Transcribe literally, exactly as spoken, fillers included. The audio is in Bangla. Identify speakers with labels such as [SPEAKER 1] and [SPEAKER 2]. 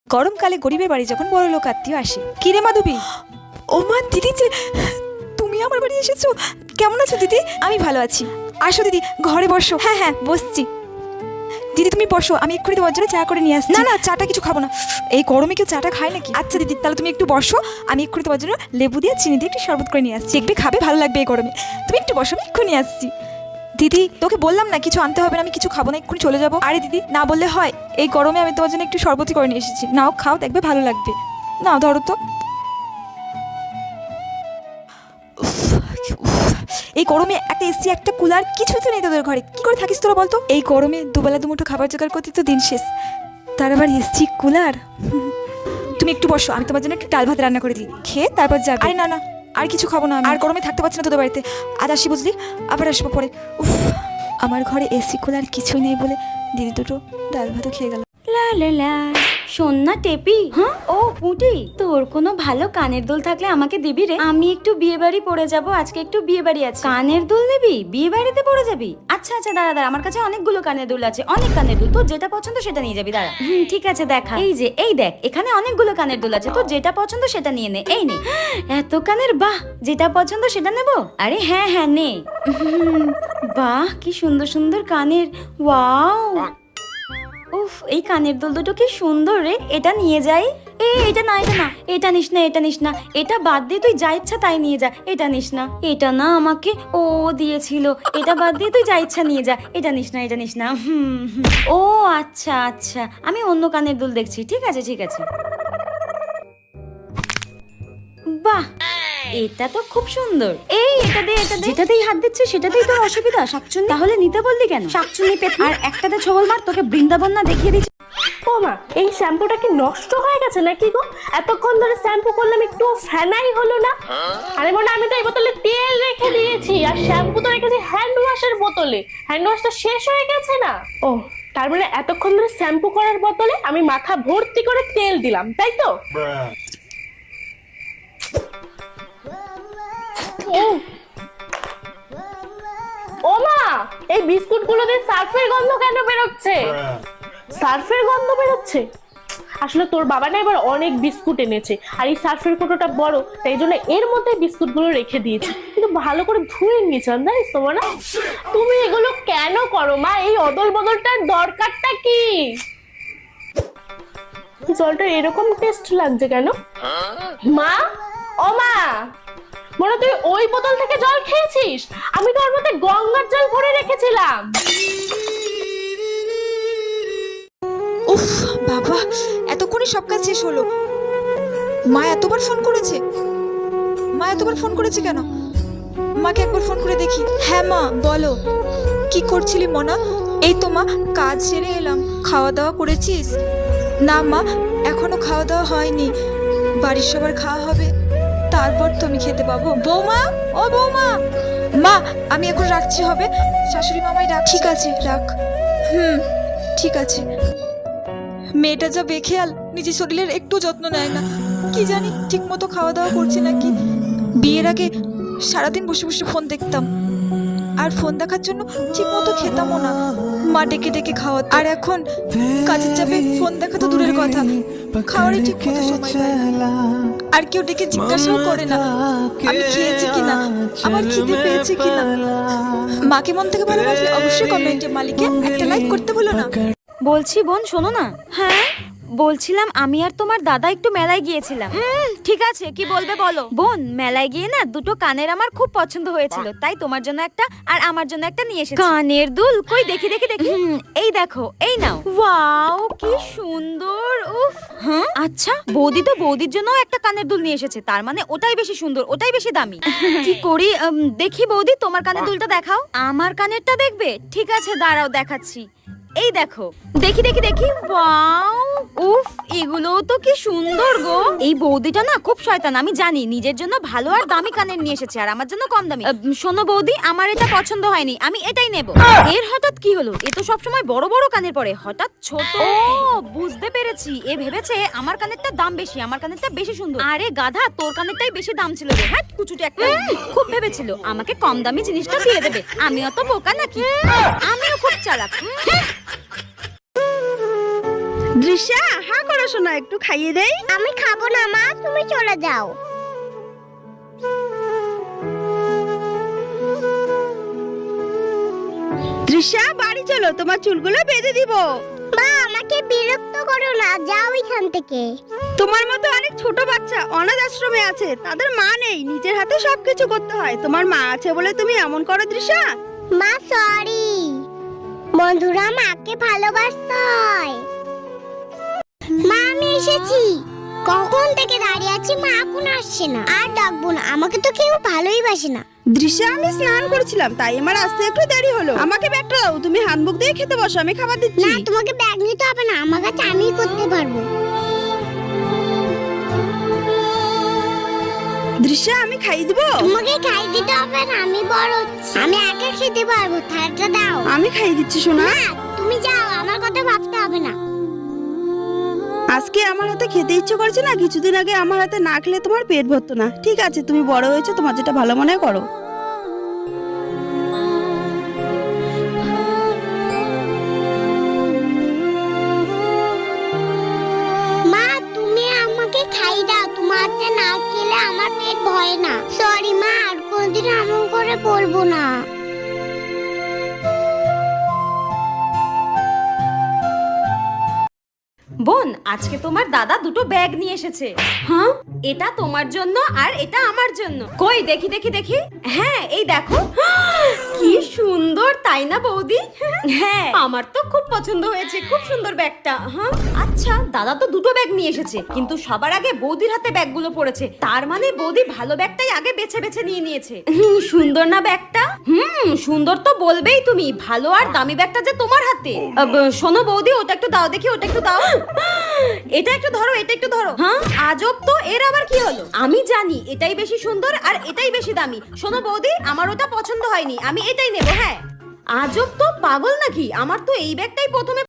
[SPEAKER 1] গরমকালে গরিবের বাড়ি যখন বড় লোক আত্মীয় আসে। কি রে মাধবী? ও মা, দিদি যে তুমি আমার বাড়ি এসেছো। কেমন আছো দিদি? আমি ভালো আছি। আসো দিদি, ঘরে বসো। হ্যাঁ হ্যাঁ বসছি। দিদি তুমি বসো, আমি এক্ষুনি তোমার জন্য চা করে নিয়ে আসছি। না না, চাটা কিছু খাবো না, এই গরমে কেউ চাটা খায় নাকি? আচ্ছা দিদি, তাহলে তুমি একটু বসো, আমি এক্ষুনি তোমার জন্য লেবু দিয়ে চিনি দিয়ে একটু শরবত করে নিয়ে আসছি। দেখবে খাবে, ভালো লাগবে এই গরমে। তুমি একটু বসো, আমি এক্ষুনি আসছি। দিদি তোকে বললাম না কিছু আনতে হবে না, আমি কিছু খাবো না, এক্ষুনি চলে যাবো। আরে দিদি না বললে হয়, এই গরমে আমি তোমার জন্য একটু শরবতই করে নিয়ে এসেছি। নাও খাও, দেখবে ভালো লাগবে। নাও ধরো তো। এই গরমে একটা এসি একটা কুলার কিছুই তো নেই তোদের ঘরে, কি করে থাকিস তোরা বলতো? এই গরমে দুবেলা দুমুঠো খাবার জোগাড় করতে তো দিন শেষ, তার আবার এসি কুলার। তুমি একটু বসো, আমি তোমার জন্য একটু ডাল ভাত রান্না করে দিই, খেয়ে তারপর যাবে। আরে না না, আর কিছু খাবো না, আর গরমে থাকতে পারছি না তোদের বাড়িতে। আজ আসি বুঝলি, আবার আসবো পরে। উফ, আমার ঘরে এসি কুলার কিছুই নেই বলে দিদি দুটো ডাল ভাতও খেয়ে গেল।
[SPEAKER 2] লা লা লা, শোন না টেপি। হ্যাঁ ও পুঁটি, তোর কোনো ভালো কানের দুল থাকলে আমাকে দিবি রে। আমি একটু বিয়ে বাড়ি পড়ে যাব, আজকে একটু বিয়ে বাড়ি আছে। কানের দুল নিবি? বিয়ে বাড়িতে পড়ে যাবি? আচ্ছা আচ্ছা দাঁড়া দাঁড়া, আমার কাছে অনেকগুলো কানের দুল আছে, অনেক কানের দুল। তোর যেটা পছন্দ সেটা নিয়ে যাবি। দাঁড়া, হুম ঠিক আছে দেখা। এই যে এই দেখ, এখানে অনেকগুলো কানের দুল আছে, তোর যেটা পছন্দ সেটা নিয়ে নে। এই নে। এত কানের, বাহ, যেটা পছন্দ সেটা নেব। আরে হ্যাঁ হ্যাঁ নে। বাহ কি সুন্দর সুন্দর কানের, ওয়াও। উফ, এই কানের দুল দুটো কি সুন্দর রে, এটা নিয়ে যাই। এ এটা না, এটা না, এটা নিস না, এটা নিস না, এটা বাদ দিয়ে তুই যা ইচ্ছা তাই নিয়ে যা। এটা নিস না, এটা না আমাকে ও দিয়েছিল, এটা বাদ দিয়ে তুই যা ইচ্ছা নিয়ে যা। এটা নিস না, এটা নিস না। হুম ও আচ্ছা আচ্ছা, আমি অন্য কানের দুল দেখছি। ঠিক আছে ঠিক আছে। বাহ, এটা তো খুব সুন্দর। এই এটা দে, এটা দে। যেটাতেই হাত দিচ্ছে সেটাতেই তোর অসুবিধা শাকচুন্নি? তাহলে নিতে বললি কেন? শাকচুন্নি পেট। আর একটাতে ছবল মার, তোকে বৃন্দাবন না দেখিয়ে দিচ্ছি।
[SPEAKER 3] ও মা, এই শ্যাম্পুটা কি নষ্ট হয়ে গেছে নাকি গো? এতক্ষণ ধরে শ্যাম্পু করলাম, একটু ফেনাই হলো না। আরে মনে, আমি তো এই বোতলে তেল রেখে দিয়েছি, আর শ্যাম্পু তো রেখেছি হ্যান্ড ওয়াশের বোতলে। হ্যান্ড ওয়াশটা শেষ হয়ে গেছে না? ও তার মানে এতক্ষণ ধরে শ্যাম্পু করার বোতলে আমি মাথা ভর্তি করে তেল দিলাম, তাই তো? ও মা, এই বিস্কুট গুলো দিয়ে সার্ফের গন্ধ কেন বেরোচ্ছে? সার্ফের গন্ধ বেরোচ্ছে? আসলে তোর বাবা না এবার অনেক বিস্কুট এনেছে, আর এই সার্ফের কোটোটা বড়, তাই জন্য এর মধ্যে বিস্কুট গুলো রেখে দিয়েছি। কিন্তু ভালো করে ধুয়ে নিয়েছিলাম, জানিস তো না? তুমি এগুলো কেন করো মা? এই অদল বদলটার দরকারটা কি? জলটা এরকম টেস্ট লাগছে কেন মা? ও মা, মনে তুই ওই বোতল থেকে জল খেয়েছিস? আমি তো ওর মধ্যে গঙ্গার জল ভরে রেখেছিলাম।
[SPEAKER 1] উফ বাবা, এতক্ষণে সব কাজ শেষ হলো। মা এতবার ফোন করেছে, মা এতবার ফোন করেছে কেন? মাকে একবার ফোন করে দেখি। হ্যাঁ মা বলো, কি করছিলি মনা? এই তো মা, কাজ সেরে এলাম। খাওয়া দাওয়া করেছিস? না মা, এখনো খাওয়া দাওয়া হয়নি, বাড়ির সবার খাওয়া হবে, তারপর তো আমি খেতে পাবো। বৌমা, ও বৌমা। মা আমি এখন রাখছি, হবে? শাশুড়ি মামাই ডাক। ঠিক আছে রাখ। হুম ঠিক আছে। মেয়েটা যা বেখেয়াল, নিজের শরীরের একটু যত্ন নেয় না। কি জানি ঠিক মতো খাওয়া দাওয়া করছে নাকি। বিয়ের আগে সারাদিন বসে বসে ফোন দেখতাম, আর ফোন দেখার জন্য ঠিক মতো খেতামও না। মা ডেকে ডেকে খাওয়া, আর এখন কাজের চাপে ফোন দেখা তো দূরের কথা, খাওয়ারই ঠিক মতো সময় পায় না। আর কেউ ডেকে জিজ্ঞাসাও করে না আমি খেয়েছি কিনা, আমার খিদে পেয়েছে কিনা। মাকে মন থেকে ভালোবাসলে অবশ্যই কমেন্টে মালিকে একটা লাইক করতে ভুলো না।
[SPEAKER 2] বলছি বোন শোনো না। হ্যাঁ বলছিলাম, আমি আর তোমার দাদা একটু মেলায় গিয়েছিলাম। ঠিক আছে, কি বলবে বলো। বোন, মেলায় গিয়ে না দুটো কানের আমার খুব পছন্দ হয়েছিল, তাই তোমার জন্য একটা আর আমার জন্য একটা নিয়ে এসেছি। কানের দুল কই দেখি দেখি দেখি। এই দেখো, এই নাও। ওয়াও কি সুন্দর। উফ, হ্যাঁ আচ্ছা, বৌদি তো বৌদির জন্য একটা কানের দুল নিয়ে এসেছে, তার মানে ওটাই বেশি সুন্দর, ওটাই বেশি দামি। কি করি, দেখি বৌদি তোমার কানের দুলটা দেখাও। আমার কানেরটা দেখবে? ঠিক আছে দাঁড়াও দেখাচ্ছি। এই দেখো, দেখি দেখি দেখি। ওয়াও, উফ, এগুলো তো কি সুন্দর গো। এই বৌদিটা না খুব শয়তান, আমি জানি। নিজের জন্য ভালো আর দামি কানের নিয়ে এসেছে, আর আমার জন্য কম দামি। শোনো বৌদি, আমার এটা পছন্দ হয়নি, আমি এটাই নেব। এর হঠাৎ কি হলো? এ তো সবসময় বড় বড় কানের পরে, হঠাৎ ছোট। ও বুঝতে পেরেছি, এ ভেবেছে আমার কানেরটা দাম বেশি, আমার কানেরটা বেশি সুন্দর। আরে গাধা, তোর কানেরটাই বেশি দাম ছিল রে। হ্যাঁ কুচুটে একটা। খুব ভেবেছিল আমাকে কম দামি জিনিসটা দিয়ে দেবে। আমি অত বোকা নাকি? আমিও খুব চালাক।
[SPEAKER 4] দৃশ্যা হা করো শোনা, একটু খাইয়ে দেই।
[SPEAKER 5] আমি খাবো না মা, তুমি চলে যাও।
[SPEAKER 4] দৃশ্যা বাড়ি চলো, তোমার চুলগুলো বেঁধে দিব।
[SPEAKER 5] মা আমাকে বিরক্ত করো না, যাও এখান থেকে।
[SPEAKER 4] তোমার মতো অনেক ছোট বাচ্চা অনাথ আশ্রমে আছে, তাদের মা নেই, নিজের হাতে সবকিছু করতে হয়। তোমার মা আছে বলে তুমি এমন করো দৃশ্যা।
[SPEAKER 5] মা সরি, বন্ধুরা মাকে ভালোবাসতে হয়। মা আমি এসেছি, কখন থেকে দাঁড়িয়ে আছি, মা এখন আসছে না। আর ডাকবো না, আমাকে তো কেউ ভালোই বাসে না।
[SPEAKER 4] দৃশ্যা আমি স্নান করেছিলাম, তাই আমার আসতে একটু দেরি হলো। আমাকে ব্যাগটা দাও, তুমি হাতমুখ দিয়ে খেতে বসো, আমি খাবার দিচ্ছি।
[SPEAKER 5] না তোমাকে ব্যাগ নিতে হবে না, আমার কাছে আমি করতে পারবো।
[SPEAKER 4] দৃশ্যা আমি খাই দিব।
[SPEAKER 5] তোমাকে খাই দিতে হবে না, আমি বড় হচ্ছি, আমি একা খেতে পারবো। থালাটা দাও।
[SPEAKER 4] আমি খাই দিচ্ছি সোনা।
[SPEAKER 5] না তুমি যাও, আমার কথা ভাবতে হবে না।
[SPEAKER 4] আজকে আমার হাতে খেতে ইচ্ছে করছে না, কিছুদিন আগে আমার হাতে না খেলে তোমার পেট ভরতো না। ঠিক আছে, তুমি বড় হয়েছো, তোমার যেটা ভালো মনে হয় করো।
[SPEAKER 5] মা তুমি আমাকে খাই দাও, তোমার হাতে না খেলে আমার পেট ভরে না। সরি মা, আর কোনদিন এমন করে বলবো না।
[SPEAKER 2] বোন, আজকে তোমার দাদা দুটো ব্যাগ নিয়ে এসেছে। হ্যাঁ, এটা তোমার জন্য আর এটা আমার জন্য। কই দেখি দেখি দেখি। হ্যাঁ এই দেখো, কি সুন্দর তাই না বৌদি? হ্যাঁ আমার তো খুব পছন্দ হয়েছে, খুব সুন্দর ব্যাগটা। হ্যাঁ আচ্ছা, দাদা তো দুটো ব্যাগ নিয়ে এসেছে, কিন্তু সবার আগে বৌদির হাতে ব্যাগগুলো পড়েছে। তার মানে বৌদি ভালো ব্যাগটাই আগে বেছে বেছে নিয়ে নিয়েছে। হুম, সুন্দর না ব্যাগটা? হুম সুন্দর তো বলবেই তুমি, ভালো আর দামি ব্যাগটা যে তোমার হাতে। আব, শোনো বৌদি, ওটা একটু দাও দেখি, ওটা একটু দাও। এটা একটু ধরো, এটা একটু ধরো। হ্যাঁ আজব তো, এর আবার কি হলো? আমি জানি এটাই বেশি সুন্দর আর এটাই বেশি দামি। শোনো বৌদি, আমার ওটা পছন্দ হয়নি, আমি এটাই নেব। হ্যাঁ আজব তো, পাগল নাকি? আমার তো এই ব্যাগটাই প্রথমে